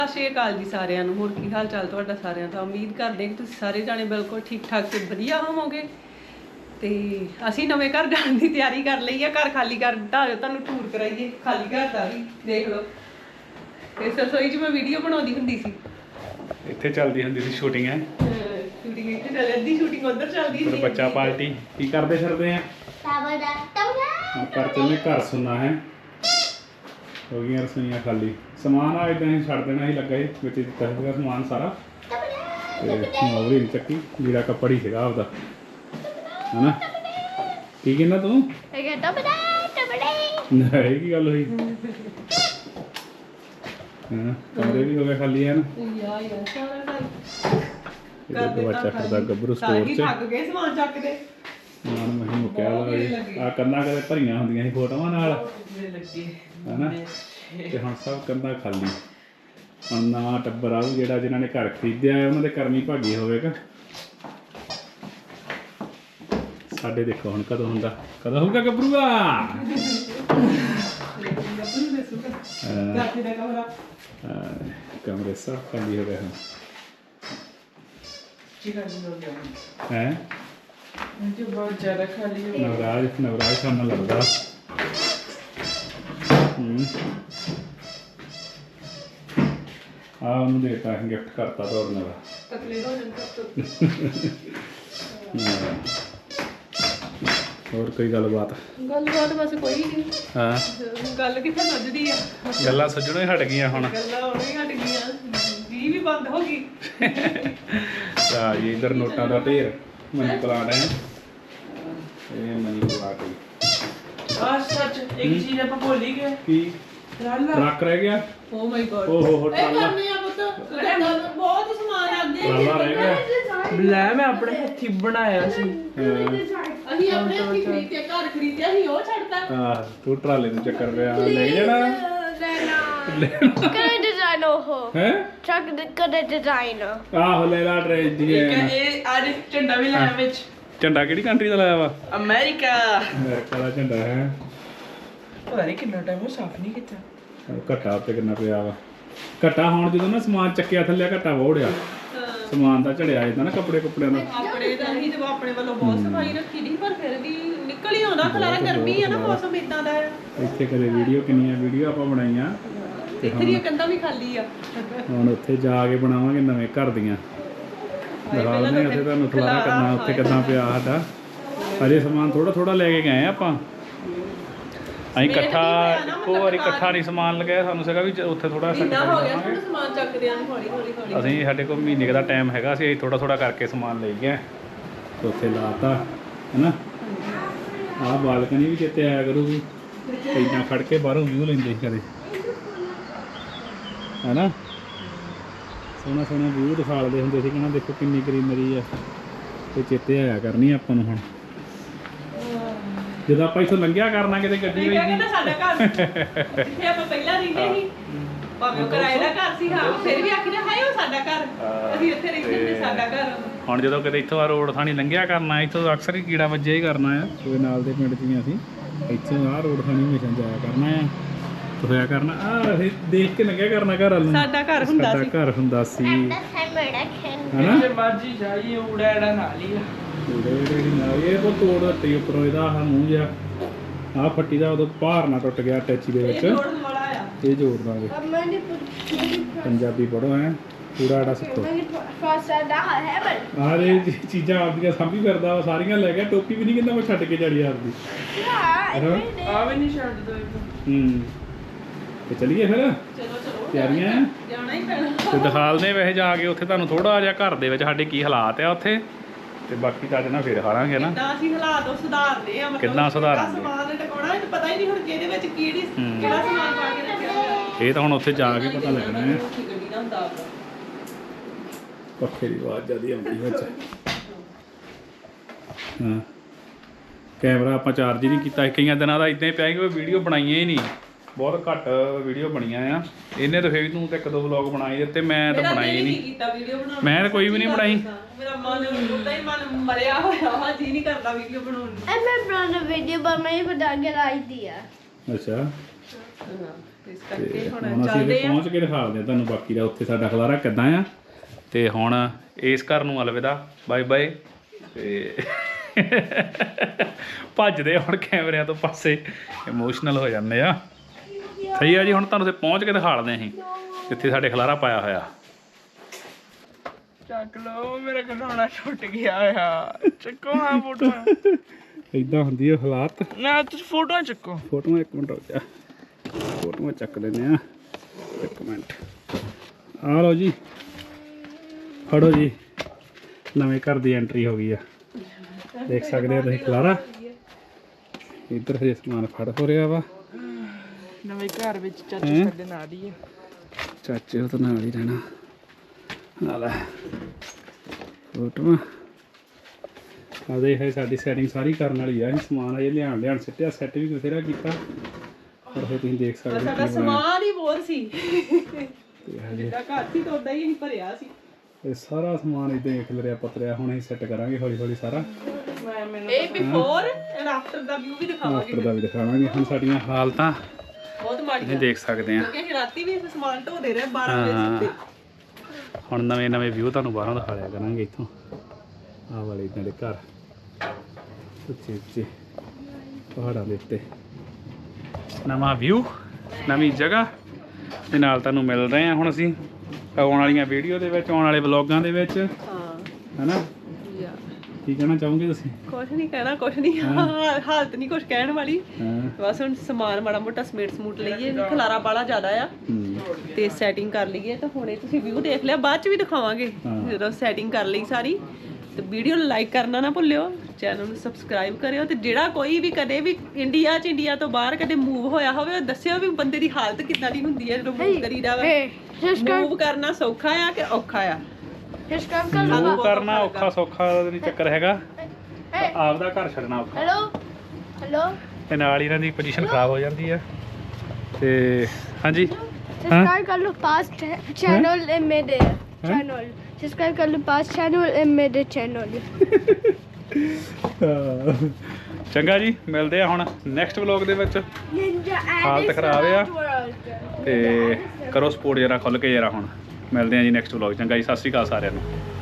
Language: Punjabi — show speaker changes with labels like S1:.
S1: ਸਤਿ ਸ਼੍ਰੀ ਅਕਾਲ ਜੀ ਸਾਰਿਆਂ ਨੂੰ। ਹੋਰ ਕੀ ਹਾਲ ਚਾਲ ਤੁਹਾਡਾ ਸਾਰਿਆਂ ਦਾ। ਉਮੀਦ ਕਰਦੇ ਕਿ ਤੁਸੀਂ ਸਾਰੇ ਜਾਣੇ ਬਿਲਕੁਲ ਠੀਕ ਠਾਕ ਤੇ ਵਧੀਆ ਹੋਵੋਗੇ। ਤੇ ਅਸੀਂ ਨਵੇਂ ਘਰ ਜਾਣ ਦੀ ਤਿਆਰੀ ਕਰ ਲਈ ਆ। ਘਰ ਖਾਲੀ ਕਰ ਦਿੱਤਾ, ਤੁਹਾਨੂੰ ਟੂਰ ਕਰਾਈਏ ਖਾਲੀ ਘਰ ਦਾ ਵੀ ਦੇਖ ਲਓ। ਇਸ ਰਸੋਈ 'ਚ ਮੈਂ ਵੀਡੀਓ ਬਣਾਉਂਦੀ ਹੁੰਦੀ ਸੀ।
S2: ਇੱਥੇ ਚੱਲਦੀ ਹੁੰਦੀ ਸੀ ਸ਼ੂਟਿੰਗ ਹੈ।
S1: ਸ਼ੂਟਿੰਗ ਇੱਥੇ ਚੱਲ ਅੱਧੀ ਸ਼ੂਟਿੰਗ ਉੱਧਰ ਚੱਲਦੀ ਸੀ।
S2: ਬੱਚਾ ਪਾਰਟੀ ਕੀ ਕਰਦੇ ਫਿਰਦੇ ਆ ਪਰ ਤੇ ਘਰ ਸੁਣਨਾ ਹੈ। ਹੋ ਗਈਆਂ ਰਸੋਈਆਂ ਖਾਲੀ। ਸਮਾਨ ਆ ਇਦਾਂ ਹੀ ਛੱਡ ਦੇਣਾ ਹੀ ਲੱਗਾ ਸੀ ਵਿੱਚ ਦਿੱਤਾ ਸੀਗਾ ਸਮਾਨ ਸਾਰਾ ਤੇ ਮੋਵਰੀ ਨਹੀਂ ਚੱਕੀ ਜਿਹੜਾ ਕੱਪੜ ਹੀ ਸੀਗਾ ਆਪਦਾ ਹਨਾ। ਕੀ ਕਹਿੰਦਾ ਤੂੰ? ਇਹ ਕੀ ਗੱਲ ਹੋਈ? ਹਾਂ ਕਮਰੇ ਵੀ ਹੋ ਗਏ ਖਾਲੀ ਹੈ ਨਾ। ਬੱਚਾ ਫਿਰਦਾ ਗੱਭਰੂ ਸਟੋਰ 'ਚ
S1: ਥੱਕ ਗਏ ਸਮਾਨ ਚੱਕਦੇ।
S2: ਸਮਾਨ ਮੈਂ ਮੁੱਕਿਆ ਲਾ ਆ ਕੰਨਾਂ ਕਦੇ ਭਰੀਆਂ ਹੁੰਦੀਆਂ ਸੀ ਫੋਟੋਆਂ ਨਾਲ ਹਨਾ। ਤੇ ਹੁਣ ਸਭ ਕੰਨਾਂ ਖਾਲੀ। ਹੁਣ ਨਵਾਂ ਟੱਬਰ ਆਊ ਜਿਹੜਾ ਜਿਨ੍ਹਾਂ ਨੇ ਘਰ ਖਰੀਦਿਆ ਹੈ ਉਹਨਾਂ ਦੇ ਕਰਮੀ ਭਾਗੀ ਹੋਵੇਗਾ। ਸਾਡੇ ਦੇਖੋ ਹੁਣ ਕਦੋਂ ਹੁੰਦਾ, ਕਦੋਂ ਹੋਊਗਾ ਗੱਭਰੂਆ। ਕਮਰੇ ਸਭ ਖਾਲੀ ਹੋ ਗਏ ਹਨ ਹੈ। ਨਵਰਾਜ ਸਾਨੂੰ ਲੱਗਦਾ ਆ ਉਹਨੂੰ ਦੇਤਾ ਗਿਫਟ ਕਰਤਾ ਤੋੜਨ ਦਾ। ਹੋਰ ਕੋਈ ਗੱਲਬਾਤ
S1: ਬਸ ਕੋਈ ਨਹੀਂ।
S2: ਹਾਂ
S1: ਗੱਲ ਕਿੱਥੇ ਸੱਜਦੀ ਆ।
S2: ਗੱਲਾਂ ਸੱਜਣੋਂ ਹੀ ਹਟ ਗਈਆਂ ਹੁਣ।
S1: ਗੱਲਾਂ ਹੁਣ ਹੀ ਹਟ ਗਈਆਂ। ਵੀ ਬੰਦ ਹੋ ਗਈ।
S2: ਆ ਜੀ ਇਧਰ ਨੋਟਾਂ ਦਾ ਢੇਰ ਮਨੀ ਪਲਾਟ ਹੈ। ਇਹ ਮਨੀ ਪਲਾਟ ਹੈ।
S3: ਸੱਚ ਇੱਕ ਚੀਜ਼ ਆਪਾਂ ਭੁੱਲ ਹੀ ਗਏ।
S2: ਕੀ ਟਰੱਕ ਰਹਿ ਗਿਆ?
S1: Oh my god.
S2: ਓਹੋ
S1: ਇਹ ਕਰਨੇ ਆ ਪੁੱਤ। ਬਹੁਤ ਸਮਾਨ ਅੱਗੇ
S2: ਟਰਾਲਾ ਰਹਿ ਗਿਆ।
S3: ਲੈ ਮੈਂ ਆਪਣੇ ਹੱਥੀ ਬਣਾਇਆ ਸੀ।
S1: ਅਸੀਂ ਆਪਣੇ ਹੱਥੀਂ ਖਰੀਦਿਆ, ਘਰ ਖਰੀਦਿਆ ਸੀ, ਉਹ ਛੱਡਤਾ।
S2: ਆਹ ਤੂੰ ਟਰਾਲੇ ਨੂੰ ਚੱਕਰ ਪਿਆ ਲੈ ਜਾਣਾ
S4: ਕਰੇ ਡਿਜ਼ਾਈਨ ਉਹ
S2: ਹੈ।
S4: ਚੱਕ ਕਰੇ ਡਿਜ਼ਾਈਨ
S2: ਆਹੋ ਲੈ ਲਾ ਟ੍ਰੇਨ ਦੀ
S3: ਇਹ ਅੱਜ ਝੰਡਾ ਵੀ ਲਾਇਆ ਵਿੱਚ।
S2: ਝੰਡਾ ਕਿਹੜੀ ਕੰਟਰੀ ਦਾ ਲਾਇਆ ਵਾ?
S3: ਅਮਰੀਕਾ।
S2: ਅਮਰੀਕਾ ਦਾ ਝੰਡਾ ਹੈ।
S3: ਪਤਾ ਨਹੀਂ ਕਿੰਨਾ ਟਾਈਮ ਉਹ ਸਾਫ਼ ਨਹੀਂ ਕੀਤਾ।
S2: ਘੱਟਾ ਉੱਤੇ ਕਿੰਨਾ ਪਿਆ ਵਾ। ਘੱਟਾ ਹੁਣ ਜਦੋਂ ਨਾ ਸਮਾਨ ਚੱਕਿਆ ਥੱਲੇ ਘੱਟਾ ਵੋੜਿਆ ਸਮਾਨ ਦਾ ਝੜਿਆ ਜਾਂਦਾ ਨਾ ਕੱਪੜਿਆਂ ਦਾ।
S1: ਆਪਣੇ ਤਾਂ ਅਸੀਂ ਤੇ ਆਪਣੇ ਵੱਲੋਂ ਬਹੁਤ ਸਫਾਈ ਰੱਖੀ ਦੀ, ਪਰ ਫਿਰ ਵੀ ਨਿਕਲ ਹੀ ਆਉਂਦਾ ਖਲਾਰਾ। ਗਰਮੀ ਆ ਨਾ, ਮੌਸਮ ਇਦਾਂ ਦਾ ਹੈ।
S2: ਇੱਥੇ ਕਦੇ ਕਿੰਨੀਆਂ ਵੀਡੀਓ ਆਪਾਂ ਬਣਾਈਆਂ।
S1: ਇੱਥੇ ਦੀਆਂ ਕੰਧਾਂ ਵੀ ਖਾਲੀ ਆ।
S2: ਹੁਣ ਉੱਥੇ ਜਾ ਕੇ ਬਣਾਵਾਂਗੇ ਨਵੇਂ ਘਰ ਦੀਆਂ। ਦਿਖਾਉਂਦੇ ਉੱਥੇ ਤੁਹਾਨੂੰ ਖਲਾਰਾ ਕਰਨਾ ਉੱਥੇ ਕਿੱਦਾਂ ਪਿਆ ਸਾਡਾ। ਅਜੇ ਸਮਾਨ ਥੋੜਾ ਲੈ ਕੇ ਗਏ ਆਪਾਂ। ਅਸੀਂ ਇੱਕੋ ਵਾਰੀ ਇਕੱਠਾ ਨਹੀਂ ਸਮਾਨ ਲਗਾਇਆ। ਸਾਨੂੰ ਸੀਗਾ ਵੀ ਉੱਥੇ ਥੋੜਾ
S1: ਮਹੀਨਾ ਹੋ ਗਿਆ ਸਾਨੂੰ ਸਮਾਨ ਚੱਕਦਿਆਂ ਨੂੰ। ਹੌਲੀ
S2: ਅਸੀਂ ਸਾਡੇ ਕੋਲ ਮਹੀਨੇ ਦਾ ਟਾਈਮ ਹੈਗਾ ਸੀ। ਅਸੀਂ ਥੋੜਾ ਕਰਕੇ ਸਮਾਨ ਲੈ ਗਏ ਉੱਥੇ ਲਾਤਾ ਹੈਨਾ। ਆਹ ਬਾਲਕਨੀ ਵੀ ਚੇਤੇ ਆਇਆ ਕਰੂਗੀ। ਇੱਦਾਂ ਖੜ ਕੇ ਬਾਹਰੋਂ ਵਿਊ ਲੈਂਦੇ ਸੀ ਕਦੇ ਹੈਨਾ। ਸੋਹਣਾ ਵਿਊ ਦਿਖਾਲਦੇ ਹੁੰਦੇ ਸੀ। ਕਹਿੰਦਾ ਦੇਖੋ ਕਿੰਨੀ ਗਰੀਨਰੀ ਆ। ਤੇ ਚੇਤੇ ਆਇਆ ਕਰਨੀ ਆਪਾਂ ਨੂੰ ਹੁਣ ਜਦੋਂ ਆਪਾਂ ਇੱਥੋਂ ਲੰਘਿਆ ਕਰਨਾ ਕਿਤੇ ਗੱਡੀ ਵਿੱਚ।
S1: ਸਾਡਾ ਘਰ ਜਿੱਥੇ ਆਪਾਂ ਪਹਿਲਾਂ ਰਹਿੰਦੇ ਸੀ, ਭਾਵੇਂ ਕਿਰਾਏ ਦਾ ਘਰ ਸੀ, ਹਾਂ ਫਿਰ ਵੀ ਆਖੀਦਾ ਹਾਏ ਉਹ ਸਾਡਾ ਘਰ, ਅਸੀਂ ਇੱਥੇ ਰਹਿੰਦੇ ਹੁੰਦੇ, ਸਾਡਾ ਘਰ। ਹੁਣ
S2: ਜਦੋਂ ਕਿਤੇ ਇੱਥੋਂ ਆ ਰੋਡ ਥਾਣੀ ਲੰਘਿਆ ਕਰਨਾ, ਇੱਥੋਂ ਅਕਸਰ ਹੀ ਕੀੜਾ ਵੱਜਿਆ ਹੀ ਕਰਨਾ ਆ। ਕੋਈ ਨਾਲ ਦੇ ਪਿੰਡ 'ਚ ਵੀ ਅਸੀਂ ਇੱਥੋਂ ਆਹ ਰੋਡ ਥਾਣੀ ਹਮੇਸ਼ਾ ਜਾਇਆ ਕਰਨਾ ਆ, ਤੁਰਿਆ ਕਰਨਾ। ਆਹ ਦੇਖ ਕੇ ਲੰਘਿਆ ਕਰਨਾ ਘਰ ਵੱਲ ਨੂੰ।
S1: ਸਾਡਾ ਘਰ ਹੁੰਦਾ ਸੀ
S2: ਹਨਾ।
S3: ਜੇ ਮਰਜੀ ਜਾਈਏ ਉੜਾੜਾ ਨਾਲ ਹੀ ਆ।
S2: ਇਹ ਉਹ ਤੋੜ ਦਿੱਤੀ ਉੱਪਰੋਂ ਇਹਦਾ ਆਹ ਮੂੰਹ ਜਿਹਾ। ਆਹ ਫੱਟੀ ਦਾ ਉਦੋਂ ਭਾਰ ਨਾ ਟੁੱਟ ਗਿਆ ਟੈਚੀ ਦੇ ਵਿੱਚ। ਇਹ ਜੋੜ ਦਾਂਗੇ। ਪੰਜਾਬੀ ਪੜ੍ਹੋ ਹੈ ਪੂਰਾ ਸਿੱਖੋ। ਆਹ ਇਹ ਚੀਜ਼ਾਂ ਆਪਦੀਆਂ ਸਾਂਭੀ ਫਿਰਦਾ ਵਾ ਸਾਰੀਆਂ ਲੈ ਗਿਆ। ਟੋਪੀ ਵੀ ਨਹੀਂ ਕਹਿੰਦਾ ਮੈਂ ਛੱਡ ਕੇ ਜਾੜੀ ਆਪਦੀ।
S3: ਆ ਵੀ ਨਹੀਂ ਛੱਡ ਦੋ।
S2: ਤੇ ਚਲੀਏ ਫਿਰ। ਤਿਆਰੀਆਂ
S1: ਜਾਣਾ ਹੀ ਪੈਣਾ।
S2: ਤੇ ਦਿਖਾਲਦੇ ਵੈਸੇ ਜਾ ਕੇ ਉੱਥੇ ਤੁਹਾਨੂੰ ਥੋੜਾ ਜਿਹਾ ਘਰ ਦੇ ਵਿੱਚ ਸਾਡੇ ਕੀ ਹਾਲਾਤ ਆ ਉੱਥੇ। ਤੇ ਬਾਕੀ ਤਾਂ ਅੱਜ ਨਾ ਫਿਰ ਹਾਰਾਂਗੇ ਨਾ
S1: ਕਿੱਦਾਂ ਅਸੀਂ ਹਾਲਾਤ ਉਹ ਸੁਧਾਰਦੇ ਆ।
S2: ਕਿੱਦਾਂ ਸੁਧਾਰਦੇ
S1: ਸਮਾਨ ਟਿਕਾਉਣਾ ਇਹ ਪਤਾ ਹੀ ਨਹੀਂ ਹੁਣ ਕਿਹਦੇ ਵਿੱਚ ਕਿਹੜਾ ਸਮਾਨ ਪਾ ਕੇ ਰੱਖਿਆ ਹੋਇਆ।
S2: ਇਹ ਤਾਂ ਹੁਣ ਉੱਥੇ ਜਾ ਕੇ ਪਤਾ ਲੱਗਣਾ ਹੈ।
S1: ਗੱਡੀ ਦਾ ਹੁੰਦਾ
S2: ਪੱਖੇ ਦੀ ਆਵਾਜ਼ ਜ਼ਿਆਦਾ ਆਉਂਦੀ ਵਿੱਚ। ਹਾਂ ਕੈਮਰਾ ਆਪਾਂ ਚਾਰਜ ਹੀ ਨਹੀਂ ਕੀਤਾ। ਕਈਆਂ ਦਿਨਾਂ ਦਾ ਇਦਾਂ ਹੀ ਪਿਆ ਕਿ ਕੋਈ ਵੀਡੀਓ ਬਣਾਈਆਂ ਹੀ ਨਹੀਂ। ਬਹੁਤ ਘੱਟ ਵੀਡੀਓ ਬਣੀਆਂ ਆ। ਇਹਨੇ ਤਾਂ ਫਿਰ ਤੂੰ ਤੇ ਇੱਕ ਦੋ ਵਲੌਗ ਬਣਾਈ ਦਿੱਤੇ, ਮੈਂ ਤਾਂ ਬਣਾਈ ਨਹੀਂ। ਮੈਂ ਤਾਂ ਕੋਈ ਵੀ ਨਹੀਂ ਬਣਾਈ।
S1: ਮੇਰਾ ਮਨ ਉਦਾਂ ਹੀ ਮਨ ਮਰਿਆ ਹੋਇਆ ਵਾ, ਜੀ ਨਹੀਂ ਕਰਦਾ ਵੀਡੀਓ ਬਣਾਉਣ ਨੂੰ।
S4: ਮੈਂ ਬਣਾਉਣਾ ਵੀਡੀਓ ਬਣਾਈ ਬਣਾ ਕੇ ਲਾਈ ਦੀ ਆ।
S2: ਅੱਛਾ
S1: ਇਸ ਕਰਕੇ ਹੁਣ
S2: ਹੁਣ ਅਸੀਂ
S1: ਚੱਲਦੇ
S2: ਇੱਥੇ
S1: ਆ।
S2: ਪਹੁੰਚ ਕੇ ਦਿਖਾਉਂਦੇ ਆ ਤੁਹਾਨੂੰ ਬਾਕੀ ਦਾ ਉੱਥੇ ਸਾਡਾ ਖਲਾਰਾ ਕਿੱਦਾਂ ਆ। ਤੇ ਹੁਣ ਇਸ ਘਰ ਨੂੰ ਅਲਵਿਦਾ, ਬਾਏ ਬਾਏ। ਤੇ ਭੱਜਦੇ ਹੁਣ ਕੈਮਰਿਆਂ ਤੋਂ ਪਾਸੇ, ਇਮੋਸ਼ਨਲ ਹੋ ਜਾਂਦੇ ਆ। ਸਹੀ ਆ ਜੀ, ਹੁਣ ਤੁਹਾਨੂੰ ਉੱਥੇ ਪਹੁੰਚ ਕੇ ਦਿਖਾਉਂਦੇ ਅਸੀਂ ਜਿੱਥੇ ਸਾਡੇ ਖਲਾਰਾ ਪਾਇਆ ਹੋਇਆ।
S3: ਚੱਕ ਲਓ, ਮੇਰਾ ਖਿਡੌਣਾ ਛੁੱਟ ਗਿਆ ਆ। ਚੱਕੋ ਹਾਂ ਫੋਟੋਆਂ।
S2: ਇਦਾਂ ਹੁੰਦੀ ਆ ਹਾਲਾਤ।
S3: ਨਾ ਤੁਸੀਂ ਫੋਟੋਆਂ ਚੱਕੋ।
S2: ਫੋਟੋਆਂ ਇੱਕ ਮਿੰਟ ਰੁਕ ਜਾ, ਫੋਟੋਆਂ ਚੱਕ ਲੈਂਦੇ ਆ, ਇੱਕ ਮਿੰਟ। ਆ ਲਓ ਜੀ, ਫੜੋ ਜੀ, ਨਵੇਂ ਘਰ ਦੀ ਐਂਟਰੀ ਹੋ ਗਈ ਆ। ਦੇਖ ਸਕਦੇ ਹੋ ਤੁਸੀਂ ਖਲਾਰਾ। ਇੱਧਰ ਹਜੇ ਸਮਾਨ ਫੜ ਹੋ ਰਿਹਾ ਵਾ।
S3: ਨਵੇਂ ਘਰ ਵਿੱਚ ਚਾਚੂ ਸਾਡੇ ਨਾਲ ਹੀ ਆ।
S2: ਚਾਚੇ ਉਹ ਤਾਂ ਨਾਲ ਹੀ ਰਹਿਣਾ। ਨਾਲ ਫੋਟੋਆਂ ਆ ਦੇਖ, ਸਾਡੀ ਸੈਟਿੰਗ ਸਾਰੀ ਕਰਨ ਵਾਲੀ ਆ। ਅਸੀਂ ਸਮਾਨ ਅਜੇ ਲਿਆਣ ਸਿੱਟਿਆ, ਸੈੱਟ ਵੀ ਬਥੇਰਾ ਕੀਤਾ, ਪਰ ਫਿਰ ਤੁਸੀਂ ਦੇਖ ਸਕਦੇ ਹੋ
S1: ਸਾਡਾ
S2: ਕੀ ਬਣਾਇਆ।
S1: ਸਮਾਨ ਹੀ ਬਹੁਤ ਸੀ,
S2: ਤੇ ਹਜੇ
S1: ਜਿੱਦਾਂ ਘਰ ਸੀ ਤਾਂ ਉਦਾਂ ਹੀ ਅਸੀਂ ਭਰਿਆ ਸੀ।
S2: ਇਹ ਸਾਰਾ ਸਮਾਨ ਇਦਾਂ ਹੀ ਖਿਲਰਿਆ ਪਤਰਿਆ। ਹੁਣ ਅਸੀਂ ਸੈੱਟ ਕਰਾਂਗੇ ਹੌਲੀ ਹੌਲੀ ਸਾਰਾ।
S1: ਇਹ ਬਿਫੋਰ ਐਂਡ ਆਫਟਰ ਦਾ ਵਿਊ ਵੀ ਦਿਖਾਵਾਂਗੇ।
S2: ਆਫਟਰ ਦਾ ਵੀ ਦਿਖਾਵਾਂਗੇ। ਹੁਣ ਸਾਡੀਆਂ ਹਾਲਤਾਂ
S1: ਬਹੁਤ ਮਾੜੀ
S2: ਤੁਸੀਂ ਦੇਖ ਸਕਦੇ ਆ।
S1: ਕਿਉਂਕਿ ਅਸੀਂ ਰਾਤੀ ਵੀ ਸਮਾਨ ਢੋਦੇ ਰਹੇ 12 ਵਜੇ ਸੁੱਤੇ।
S2: ਹੁਣ ਨਵੇਂ ਵਿਊ ਤੁਹਾਨੂੰ ਬਾਹਰੋਂ ਦਿਖਾ ਲਿਆ ਕਰਾਂਗੇ। ਇੱਥੋਂ ਆਹ ਵਾਲੇ ਇਦਾਂ ਦੇ ਘਰ ਉੱਚੇ ਉੱਚੇ ਪਹਾੜਾਂ ਦੇ ਉੱਤੇ, ਨਵਾਂ ਵਿਊ, ਨਵੀਂ ਜਗ੍ਹਾ ਦੇ ਨਾਲ ਤੁਹਾਨੂੰ ਮਿਲ ਰਹੇ ਹਾਂ ਹੁਣ ਅਸੀਂ ਆਉਣ ਵਾਲੀਆਂ ਵੀਡੀਓ ਦੇ ਵਿੱਚ, ਆਉਣ ਵਾਲੇ ਵਲੌਗਾਂ ਦੇ ਵਿੱਚ,
S1: ਹਾਂ
S2: ਹੈਨਾ। ਕੀ ਕਹਿਣਾ ਚਾਹੋਗੇ ਤੁਸੀਂ?
S1: ਕੁਛ ਨਹੀਂ ਕਹਿਣਾ, ਕੁਛ ਨਹੀਂ, ਹਾਲਤ ਨਹੀਂ ਕੁਛ ਕਹਿਣ ਵਾਲੀ।
S2: ਹਾਂ।
S1: ਬਸ ਹੁਣ ਸਮਾਨ ਮਾੜਾ ਮੋਟਾ ਸਮੂਟ ਲਈਏ, ਖਲਾਰਾ ਬਾਲਾ ਜ਼ਿਆਦਾ ਆ ਤੇ ਸੈਟਿੰਗ ਕਰ ਲਈਏ। ਤਾਂ ਹੁਣੇ ਤੁਸੀਂ ਵਿਊ ਦੇਖ ਲਿਆ, ਬਾਅਦ ਚ ਵੀ ਦਿਖਾਵਾਂਗੇ ਜਦੋਂ ਸੈਟਿੰਗ ਕਰ ਲਈ ਸਾਰੀ। ਤੇ ਵੀਡੀਓ ਨੂੰ ਲਾਈਕ ਕਰਨਾ ਨਾ ਭੁੱਲਿਓ, ਚੈਨਲ ਨੂੰ ਸਬਸਕ੍ਰਾਈਬ ਕਰਿਓ। ਤੇ ਜਿਹੜਾ ਕੋਈ ਵੀ ਕਦੇ ਵੀ ਇੰਡੀਆ ਤੋਂ ਬਾਹਰ ਕਦੇ ਮੂਵ ਹੋਇਆ ਹੋਵੇ, ਉਹ ਦੱਸਿਓ ਵੀ ਬੰਦੇ ਦੀ ਹਾਲਤ ਕਿੱਦਾਂ ਦੀ ਹੁੰਦੀ ਹੈ ਜਦੋਂ ਮੂਵ ਕਰੀਦਾ ਵਾ। ਮੂਵ ਕਰਨਾ ਸੌਖਾ ਆ ਕਿ ਔਖਾ ਆ?
S2: ਮੂਵ ਕਰਨਾ ਔਖਾ ਸੌਖਾ ਦਾ ਨਹੀਂ ਚੱਕਰ ਹੈਗਾ, ਆਪਦਾ ਘਰ ਛੱਡਣਾ ਔਖਾ।
S4: Hello?
S2: ਤੇ ਨਾਲ ਹੀ ਇਹਨਾਂ ਦੀ ਪੋਜੀਸ਼ਨ ਖਰਾਬ ਹੋ ਜਾਂਦੀ ਆ। ਤੇ ਹਾਂਜੀ,
S4: Subscribe कर लो past channel and मेरे channel. Subscribe कर लो past channel and मेरे channel.
S2: ਚੰਗਾ ਜੀ, ਮਿਲਦੇ ਆ ਹੁਣ ਨੈਕਸਟ ਵਲੌਗ ਦੇ ਵਿੱਚ।
S4: Ninja
S2: ਹਾਲਤ ਖਰਾਬ ਆ
S4: World.
S2: ਤੇ ਕਰੋ ਸਪੋਰਟ ਜਰਾ ਖੁੱਲ ਕੇ ਜਰਾ। ਹੁਣ ਮਿਲਦੇ ਆ ਜੀ ਨੈਕਸਟ ਵਲੌਗ। ਚੰਗਾ ਜੀ, ਸਤਿ ਸ਼੍ਰੀ ਅਕਾਲ ਸਾਰਿਆਂ ਨੂੰ।